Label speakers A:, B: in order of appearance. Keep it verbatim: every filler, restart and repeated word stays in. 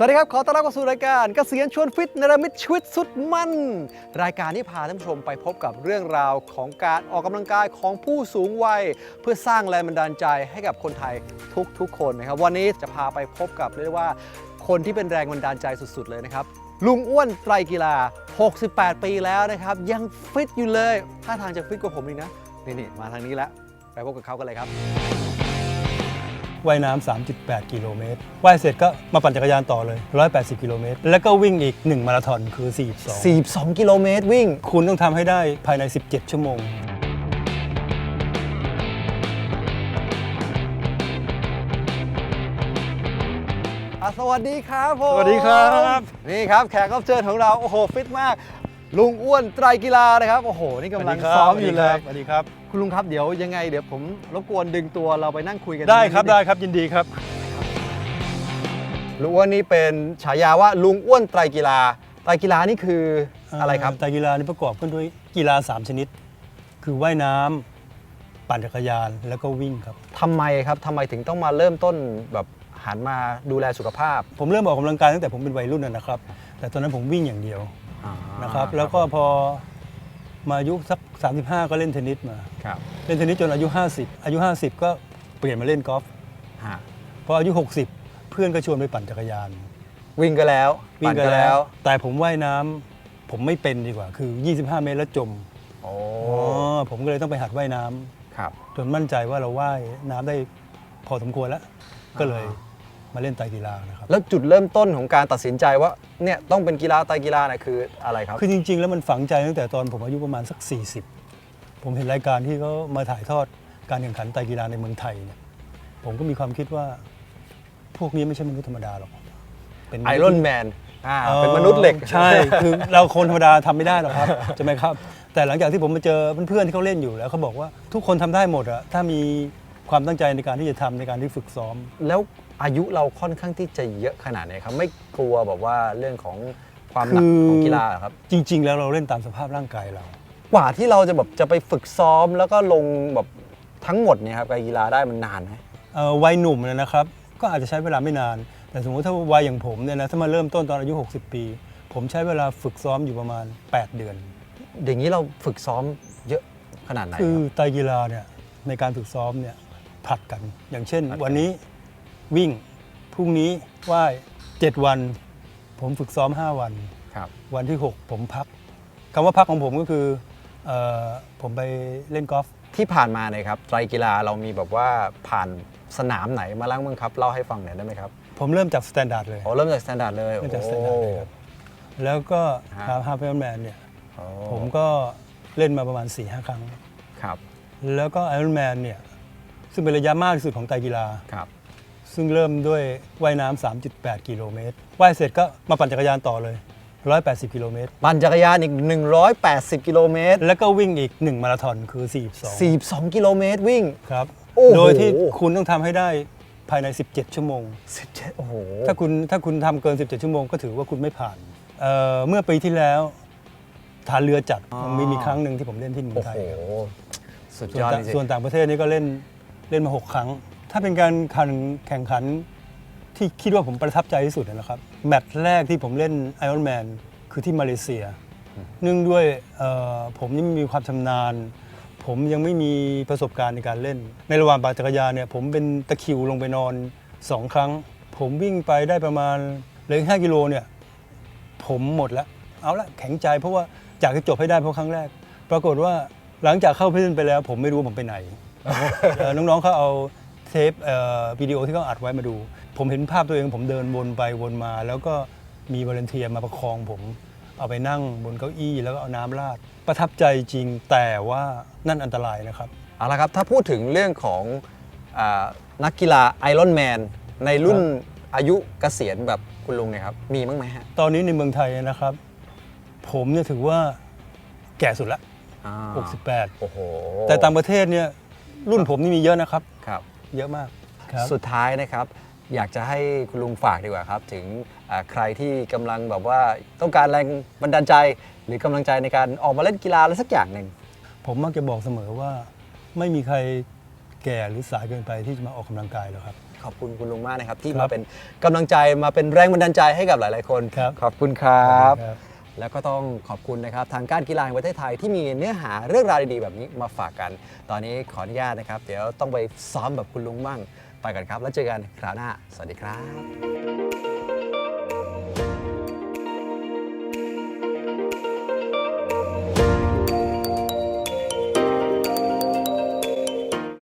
A: วัสดีครับขอต้อนรับเข้าสู่รายการเกษียณชวนฟิตเนรมิตชีวิตสุดมันรายการที่พาท่านผู้ชมไปพบกับเรื่องราวของการออกกำลังกายของผู้สูงวัยเพื่อสร้างแรงบันดาลใจให้กับคนไทยทุกๆคนนะครับวันนี้จะพาไปพบกับเรียกว่าคนที่เป็นแรงบันดาลใจสุดๆเลยนะครับลุงอ้วนไตรกีฬาหกสิบแปดปีแล้วนะครับยังฟิตอยู่เลยท่าทางจะฟิตกว่าผมอีกนะนี่ๆมาทางนี้แล้วไปพบกับเขากันเลยครับ
B: ว่ายน้ำ สามจุดแปด กิโลเมตร ว่ายเสร็จก็มาปั่นจักรยานต่อเลย หนึ่งร้อยแปดสิบ กิโลเมตร แล้วก็วิ่งอีก หนึ่ง มาราธอนคือ สี่สิบสอง
A: สี่สิบสอง กิโลเมตรวิ่ง
B: คุณต้องทำให้ได้ภายใน สิบเจ็ด ชั่วโมง
A: สวัสดีครับผม
B: สวัสดีครับ
A: นี่ครับแขกรับเชิญของเราโอ้โหฟิตมากลุงอ้วนไตรกีฬานะครับโอ้โหนี่กำลังซ้อมอยู่เลย
B: สวัสดีครับ
A: คุณลุงครับเดี๋ยวยังไงเดี๋ยวผมรบกวนดึงตัวเราไปนั่งคุยกัน
B: ได้ครับได้ครับยินดีครับ
A: ลุงอ้วนนี่เป็นฉายาว่าลุงอ้วนไตรกีฬาไตรกีฬานี่คืออะไรครับ
B: ไตรกีฬานี่ประกอบขึ้นด้วยกีฬาสามชนิดคือว่ายน้ำปั่นจักรยานแล้วก็วิ่งครับ
A: ทำไมครับทำไมถึงต้องมาเริ่มต้นแบบหันมาดูแลสุขภาพ
B: ผมเริ่มออกกำลังกายตั้งแต่ผมเป็นวัยรุ่นนะครับแต่ตอนนั้นผมวิ่งอย่างเดียวนะครับแล้วก็พอมาอายุสักสามสิบห้าก็เล่นเทนนิสมาเล่นเทนนิสจนอายุห้าสิบอายุห้าสิบก็เปลี่ยนมาเล่นกอล์ฟพออายุหกสิบเพื่อนก็ชวนไปปั่นจักรยาน
A: วิ่งก็แล้ว
B: วิ่งก็แล้วแต่ผมว่ายน้ำผมไม่เป็นดีกว่าคือยี่สิบห้าเมตรแล้วจมอ๋อผมก็เลยต้องไปหัดว่ายน้ำจนมั่นใจว่าเราว่ายน้ำได้พอสมควรแล้วก็เลยมาเล่นไตรกีฬานะครับ
A: แล้วจุดเริ่มต้นของการตัดสินใจว่าเนี่ยต้องเป็นกีฬาไตรกีฬาเนี่ยคืออะไรครับ
B: คือจริงๆแล้วมันฝังใจตั้งแต่ตอนผมอายุประมาณสักสี่สิบผมเห็นรายการที่เขามาถ่ายทอดการแข่งขันไตรกีฬาในเมืองไทยเนี่ยผมก็มีความคิดว่าพวกนี้ไม่ใช่มนุษย์ธรรมดาหรอก
A: เป็นไอรอนแมนเป็นมนุษย์เหล็ก
B: ใช่คือเราคนธรรมดาทำไม่ได้หรอกครับใช่ไหมครับแต่หลังจากที่ผมมาเจอเพื่อนๆที่เขาเล่นอยู่แล้วเขาบอกว่าทุกคนทำได้หมดอะถ้ามีความตั้งใจในการที่จะทำในการที่ฝึกซ้อม
A: แล้วอายุเราค่อนข้างที่จะเยอะขนาดไหนครับไม่กลัวแบบว่าเรื่องของความหนักของกีฬาครับ
B: จริงๆแล้วเราเล่นตามสภาพร่างกายเรา
A: กว่าที่เราจะแบบจะไปฝึกซ้อมแล้วก็ลงแบบทั้งหมดเนี่ยครับกีฬาได้มันนานไหม
B: วัยหนุ่มเนี่ยนะครับก็อาจจะใช้เวลาไม่นานแต่สมมติถ้าวัยอย่างผมเนี่ยนะถ้ามาเริ่มต้นตอนอายุหกสิบปีผมใช้เวลาฝึกซ้อมอยู่ประมาณแปดเดือน
A: อย่างนี้เราฝึกซ้อมเยอะขนาดไหน
B: คือไตรกีฬาเนี่ยในการฝึกซ้อมเนี่ยผลัดกันอย่างเช่นวันนี้วิ่งพรุ่งนี้ว่ายเจ็ดวันผมฝึกซ้อมห้าวันวันที่หกผมพักคำว่าพักของผมก็คือเอ่อผมไปเล่นกอล์ฟ
A: ที่ผ่านมาเนี่ยครับไตรกีฬาเรามีแบบว่าผ่านสนามไหนมาล้างบ้างครับเล่าให้ฟังหน่อยได้ไหมครับ
B: ผมเริ่มจากสแตนดาร์ดเลย
A: อ๋อเริ่มจากสแตนดาร์ดเลย
B: เริ่มจากสแตนดาร์ดเลยครับแล้วก็ฮาร์ฟไอรอนแมนเนี่ยผมก็เล่นมาประมาณ สี่ห้า ครั้ง
A: ครับ
B: แล้วก็ไอรอนแมนเนี่ยซึ่งเป็นระยะมากที่สุดของไตรกีฬาซึ่งเริ่มด้วยว่ายน้ำ สามจุดแปด กิโลเมตรว่ายเสร็จก็มาปั่นจักรยานต่อเลยหนึ่งร้อยแปดสิบ กิโลเมตร
A: ปั่นจักรยานอีกหนึ่งร้อยแปดสิบกิโลเมตร
B: แล้วก็วิ่งอีกหนึ่งมาราธอนคือสี่สิบสอง
A: สี่สิบสองกิโลเมตรวิ่ง
B: ครับโดยที่คุณต้องทำให้ได้ภายในสิบเจ็ดชั่วโมง
A: สิบเจ็ดโอ้โห
B: ถ้าคุณถ้าคุณทำเกินสิบเจ็ดชั่วโมงก็ถือว่าคุณไม่ผ่าน เ, เมื่อปีที่แล้วฐานเรือจัดมีมีครั้งหนึ่งที่ผมเล่นที่เมืองไทย
A: สุดยอดจริง
B: ส่วนต่างประเทศนี่ก็เล่นเล่นมาหกครั้งถ้าเป็นการแข่งขันที่คิดว่าผมประทับใจที่สุดนะครับแมตช์แรกที่ผมเล่นไอรอนแมนคือที่มาเลเซียเนื่องด้วยผมยังไม่มีความชำนาญผมยังไม่มีประสบการณ์ในการเล่นในระหว่างปั่นจักรยานเนี่ยผมเป็นตะคริวลงไปนอนสองครั้งผมวิ่งไปได้ประมาณเหลือห้ากิโลเนี่ยผมหมดแล้วเอาละแข็งใจเพราะว่าอยากจะจบให้ได้เพราะครั้งแรกปรากฏว่าหลังจากเข้าพิธีไปแล้วผมไม่รู้ผมไปไหน น้องๆเขาเอาเทปวิดีโอที่เขาอัดไว้มาดูผมเห็นภาพตัวเองผมเดินวนไปวนมาแล้วก็มีวอลันเทียร์มาประคองผมเอาไปนั่งบนเก้าอี้แล้วก็เอาน้ำราดประทับใจจริงแต่ว่านั่นอันตรายนะครับ
A: เอาละครับถ้าพูดถึงเรื่องของนักกีฬาไอรอนแมนในรุ่นอายุเกษียณแบบคุณลุงเนี่ยครับมีบ้างไหมฮะ
B: ตอนนี้ในเมืองไทยนะครับผมเนี่ยถือว่าแก่สุดละหกสิบแปด
A: โอ้โห
B: แต่ต่างประเทศเนี่ยรุ่นผมนี่มีเยอะนะครับ
A: ครับ
B: เยอะมาก
A: สุดท้ายนะครับอยากจะให้คุณลุงฝากดีกว่าครับถึงใครที่กำลังแบบว่าต้องการแรงบันดาลใจหรือกำลังใจในการออกมาเล่นกีฬาอะไรสักอย่างหนึ่ง
B: ผมมักจะบอกเสมอว่าไม่มีใครแก่หรือสายเกินไปที่จะมาออกกำลังกายหรอกครับ
A: ขอบคุณคุณลุงมากนะครับที่
B: ครั
A: มา
B: บ
A: เป็นกำลังใจมาเป็นแรงบันดาลใจให้กับหลาย ๆ คน
B: ครับ
A: ขอบคุณครับ
B: ครับ
A: แล้วก็ต้องขอบคุณนะครับทางการกีฬาแห่งประเทศไทยที่มีเนื้อหาเรื่องราวดีๆแบบนี้มาฝากกัน ตอนนี้ขออนุญาตนะครับ เดี๋ยวต้องไปซ้อมแบบคุณลุงมั่งไปกันครับ แล้วเจอกันคราวหน้า สวัสดีครับ